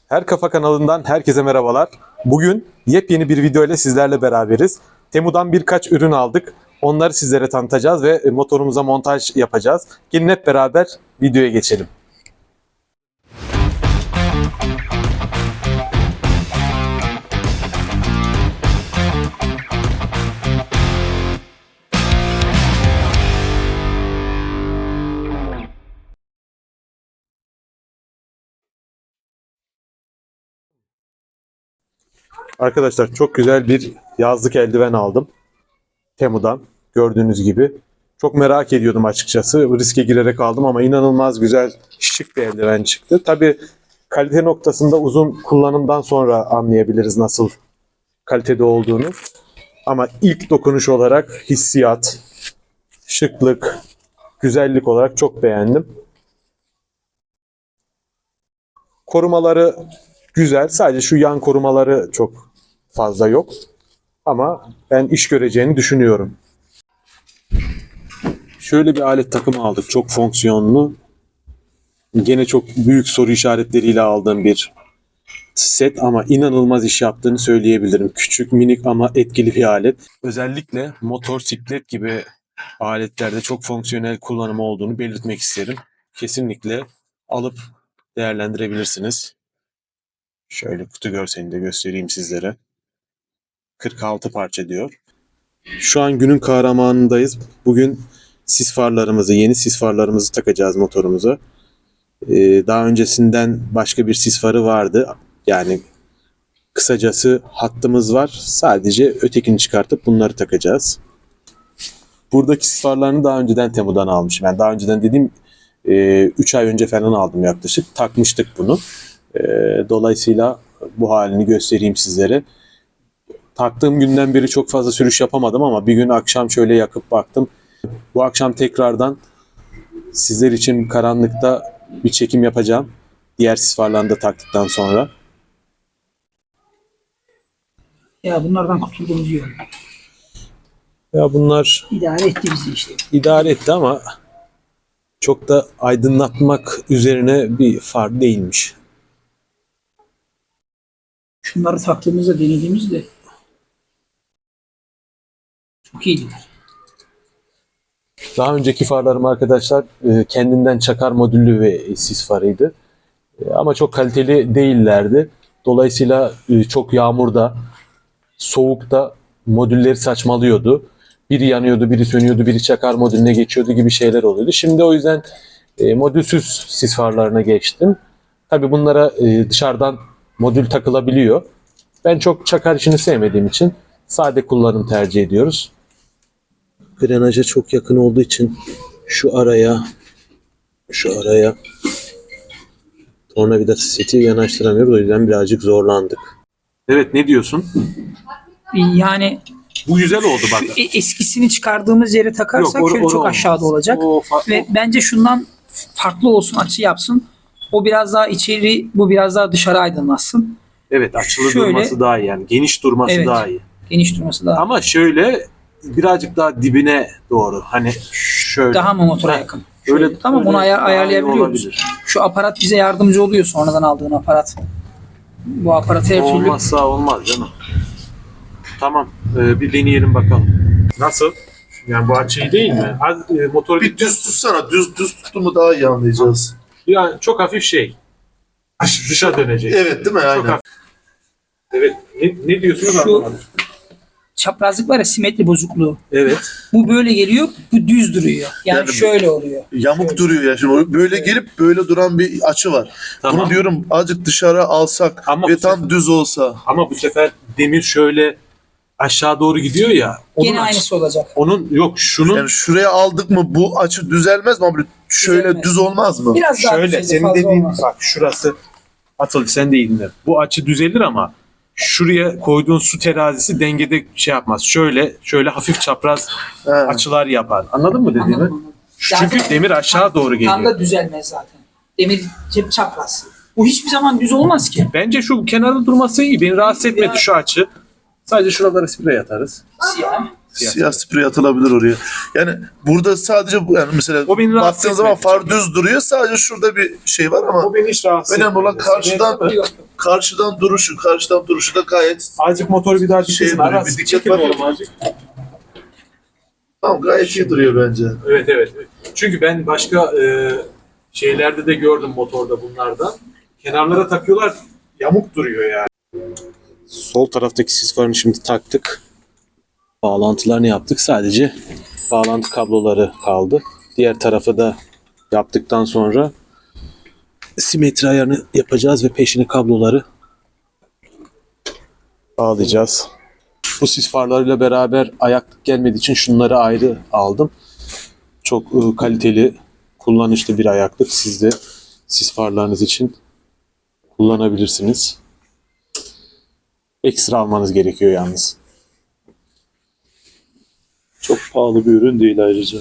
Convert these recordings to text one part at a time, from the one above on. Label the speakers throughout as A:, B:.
A: Her Kafa kanalından herkese merhabalar. Bugün yepyeni bir video ile sizlerle beraberiz. Temu'dan birkaç ürün aldık. Onları sizlere tanıtacağız ve motorumuza montaj yapacağız. Gelin hep beraber videoya geçelim. Arkadaşlar çok güzel bir yazlık eldiven aldım. Temu'dan gördüğünüz gibi. Çok merak ediyordum açıkçası. Riske girerek aldım ama inanılmaz güzel, şık bir eldiven çıktı. Tabii kalite noktasında uzun kullanımdan sonra anlayabiliriz nasıl kalitede olduğunu. Ama ilk dokunuş olarak hissiyat, şıklık, güzellik olarak çok beğendim. Korumaları güzel. Sadece şu yan korumaları çok fazla yok. Ama ben iş göreceğini düşünüyorum. Şöyle bir alet takımı aldık. Çok fonksiyonlu. Gene çok büyük soru işaretleriyle aldığım bir set ama inanılmaz iş yaptığını söyleyebilirim. Küçük, minik ama etkili bir alet. Özellikle motor, siklet gibi aletlerde çok fonksiyonel kullanımı olduğunu belirtmek isterim. Kesinlikle alıp değerlendirebilirsiniz. Şöyle kutu görselini de göstereyim sizlere. 46 parça diyor. Şu an günün kahramanındayız. Bugün yeni sis farlarımızı takacağız motorumuza. Daha öncesinden başka bir sis farı vardı. Yani kısacası hattımız var. Sadece ötekini çıkartıp bunları takacağız. Buradaki sis farlarını daha önceden Temu'dan almışım. Yani daha önceden dediğim 3 ay önce falan aldım yaklaşık. Takmıştık bunu. Dolayısıyla bu halini göstereyim sizlere. Taktığım günden beri çok fazla sürüş yapamadım ama bir gün akşam şöyle yakıp baktım. Bu akşam tekrardan sizler için karanlıkta bir çekim yapacağım. Diğer sis farlarını da taktıktan sonra.
B: Ya bunlardan kurtulduğumuz iyi oldu.
A: Ya bunlar
B: İdare etti bizi işte.
A: idare etti ama çok da aydınlatmak üzerine bir far değilmiş.
B: Şunları taktığımızda denediğimizde çok iyiydiler.
A: Daha önceki farlarım arkadaşlar kendinden çakar modüllü ve sis farıydı. Ama çok kaliteli değillerdi. Dolayısıyla çok yağmurda, soğukta modülleri saçmalıyordu. Biri yanıyordu, biri sönüyordu, biri çakar modülüne geçiyordu gibi şeyler oluyordu. Şimdi o yüzden modülsüz sis farlarına geçtim. Tabii bunlara dışarıdan modül takılabiliyor. Ben çok çakar işini sevmediğim için sade kullanım tercih ediyoruz. Grenaja çok yakın olduğu için şu araya tornavida seti yanaştıramıyoruz. O yüzden birazcık zorlandık. Evet, ne diyorsun?
B: Yani
A: Bu güzel oldu bak.
B: eskisini çıkardığımız yere takarsak
A: Yok,
B: şöyle çok
A: olmaz.
B: aşağıda olacak. Ve bence şundan farklı olsun, açı yapsın. O biraz daha içeri, bu biraz daha dışarı aydınlatsın.
A: Evet, açılı
B: Şöyle,
A: durması daha iyi yani. Geniş durması
B: evet,
A: daha iyi.
B: geniş durması daha.
A: Ama şöyle birazcık daha dibine doğru. Hani şöyle.
B: Daha mı motora yakın?
A: Öyle,
B: Şöyle, tamam,
A: öyle
B: onu
A: daha iyi
B: ayarlayabiliyoruz.
A: olabilir.
B: Şu aparat bize yardımcı oluyor, sonradan aldığın aparat. Bu aparat her türlü.
A: Olmazsa olmaz canım. Tamam, bir deneyelim bakalım. Nasıl? Yani bu açı iyi değil mi? Motoru
C: Bir düz tutsana. Düz tuttu mu daha iyi anlayacağız.
A: yani çok hafif şey. Dışa dönecek.
C: Evet değil mi?
A: Çok
C: Aynen.
A: hafif. Evet. Ne diyorsunuz?
B: Şu-
A: Anlamadım.
B: Çaprazlık var ya, simetri bozukluğu.
A: Evet.
B: Bu böyle geliyor, bu düz duruyor. Yani
C: Yani
B: şöyle oluyor.
C: Yamuk
B: Şöyle.
C: duruyor ya. Şimdi böyle gelip böyle duran bir açı var.
A: Tamam.
C: Bunu diyorum azıcık dışarı alsak
A: Ama
C: ve
A: bu
C: tam düz olsa.
A: Ama bu sefer demir şöyle aşağı doğru gidiyor ya.
B: Gene aynısı olacak.
A: Onun yok şunun
C: Yani şuraya aldık mı bu açı düzelmez mi? Abi şöyle
B: Düzelmez.
C: düz olmaz mı?
B: Biraz daha
A: şöyle
B: düzeyde,
A: senin
B: fazla
A: dediğin
B: olmaz.
A: bak şurası Atıl sen de iyi dinle. Bu açı düzelir ama şuraya koyduğun su terazisi dengede şey yapmaz. Şöyle hafif çapraz
C: He.
A: açılar yapar. Anladın mı dediğimi?
B: Anladım.
A: Çünkü
B: Zaten
A: demir aşağı doğru
B: tam
A: geliyor.
B: da düzelmez zaten. Demir cep çapraz. Bu hiçbir zaman düz olmaz ki.
A: Bence şu kenarda durması iyi. Beni rahatsız etmedi
B: Ya.
A: şu açı. Sadece şuralara sprey atarız.
B: Siyah.
C: Siyah sprey atılabilir oraya. Yani burada sadece bu yani mesela
A: O beni rahatsız
C: baktığın zaman
A: etmedi
C: far
A: çok.
C: düz duruyor. Sadece şurada bir şey var ama
A: O beni hiç rahatsız
C: önemli olan
A: etmedi.
C: karşıdan
A: Seni-
B: Yok, yok.
C: karşıdan duruşu da gayet
A: Azıcık motoru bir daha dikilsin.
C: duruyor,
A: Aras,
C: bir dikkat
A: çekin
C: var.
A: oğlum azıcık.
C: tamam, gayet iyi duruyor bence.
A: Evet evet. Çünkü ben başka şeylerde de gördüm motorda bunlardan. Kenarlara takıyorlar, yamuk duruyor yani. Sol taraftaki sis farını şimdi taktık. Bağlantılarını yaptık. Sadece bağlantı kabloları kaldı. Diğer tarafı da yaptıktan sonra simetri ayarını yapacağız ve peşine kabloları bağlayacağız. Bu sis farlarıyla beraber ayaklık gelmediği için şunları ayrı aldım. Çok kaliteli, kullanışlı bir ayaklık. Siz de sis farlarınız için kullanabilirsiniz. Ekstra almanız gerekiyor yalnız.
C: Çok pahalı bir ürün değil ayrıca.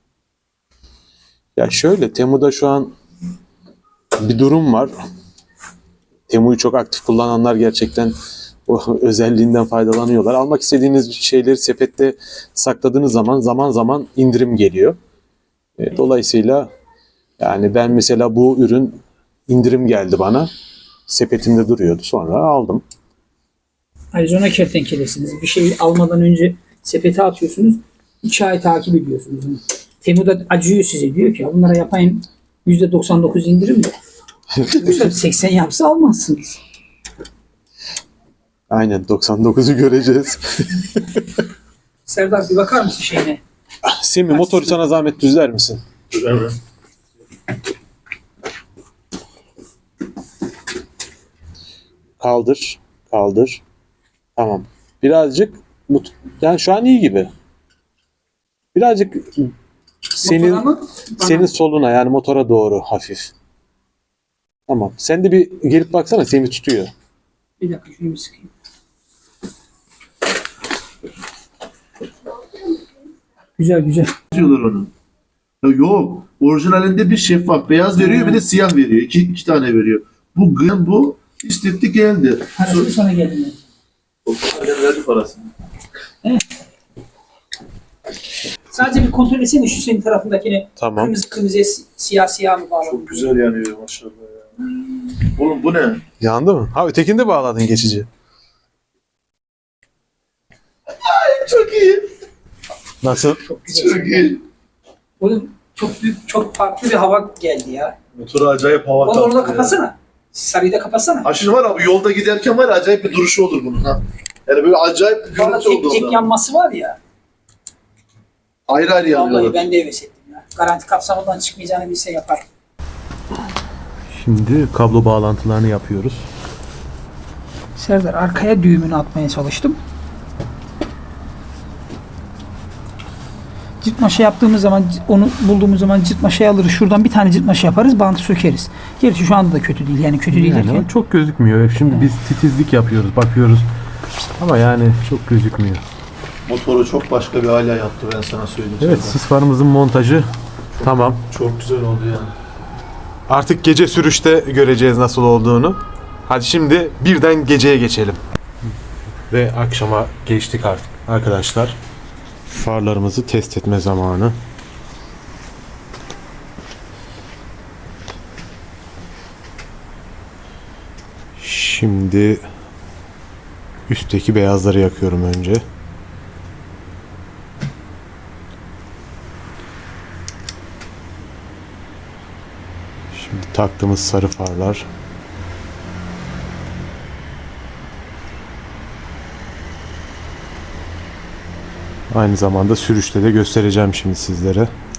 A: Ya şöyle, Temu'da şu an bir durum var. Temu'yu çok aktif kullananlar gerçekten o özelliğinden faydalanıyorlar. Almak istediğiniz şeyleri sepette sakladığınız zaman zaman indirim geliyor. Dolayısıyla yani ben mesela bu ürün indirim geldi bana. Sepetimde duruyordu. Sonra aldım.
B: Arizona kertenkelesiniz. Bir şey almadan önce sepete atıyorsunuz. 2 ay takip ediyorsunuz. Temu'da acıyor size. Diyor ki bunlara yapayım %99 indirim de. Yoksa 80 yapsa almazsınız.
A: Aynen 99'u göreceğiz.
B: Serdar bir bakar mısın şeyine?
A: Semih, motoru sana zahmet düzler misin?
C: Dur hemen.
A: Kaldır. Kaldır. Tamam. Birazcık yani şu an iyi gibi. Birazcık senin
B: Motora mı? Bana.
A: senin soluna yani motora doğru hafif. Tamam. Sen de bir gelip baksana, Semih tutuyor.
B: Bir dakika şunu bir sıkayım. Güzel güzel.
C: Diyorlar onu. Ya yok. Orijinalinde bir şeffaf beyaz veriyor, bir de siyah veriyor. İki tane veriyor. Bu istetti geldi.
B: Parasını sana geldim.
C: Verdi parasını.
B: Sadece bir kontrol etsene şu senin tarafındakini.
A: Tamam.
B: Kırmızı kırmızıya siyah siyah mı bağlı?
C: Çok güzel yanıyor maşallah ya. Oğlum bu ne?
A: Yandı mı? Ha, ötekini de bağladın geçici.
C: Çok iyi.
A: Nasıl?
B: Çok güzel.
C: Çok iyi.
B: Oğlum çok büyük, çok farklı bir hava geldi ya.
C: Motoru acayip hava
B: Onu
C: kattı
B: orada
C: ya.
B: kapatsana. Sarıyı da kapatsana.
C: Ha şimdi var abi, yolda giderken var ya, acayip bir duruşu olur bunun ha. Yani böyle acayip bir
B: Valla
C: görüntü oldu
B: tek
C: orada.
B: yanması var ya.
C: Ayrı ayrı
B: Vallahi
C: yanıyorlar.
B: ben de heves ettim ya. Garanti kapsamından çıkmayacağını bilse yapar.
A: Şimdi kablo bağlantılarını yapıyoruz.
B: Serdar arkaya düğümünü atmaya çalıştım. Cırtmaşa yaptığımız zaman onu bulduğumuz zaman cırtmaşayı alırız. Şuradan bir tane cırtmaşa yaparız, bantı sökeriz. Gerçi şu anda da kötü değil. Yani kötü değil derken.
A: Çok gözükmüyor. Şimdi biz titizlik yapıyoruz, bakıyoruz. Ama yani çok gözükmüyor.
C: Motoru çok başka bir hale yaptı, ben sana söyleyeyim.
A: Evet,
C: sana.
A: sis farımızın montajı tamam.
C: Çok güzel oldu yani.
A: Artık gece sürüşte göreceğiz nasıl olduğunu. Hadi şimdi birden geceye geçelim. Ve akşama geçtik artık arkadaşlar. Farlarımızı test etme zamanı. Şimdi üstteki beyazları yakıyorum önce. Şimdi taktığımız sarı farlar. Aynı zamanda sürüşte de göstereceğim şimdi sizlere.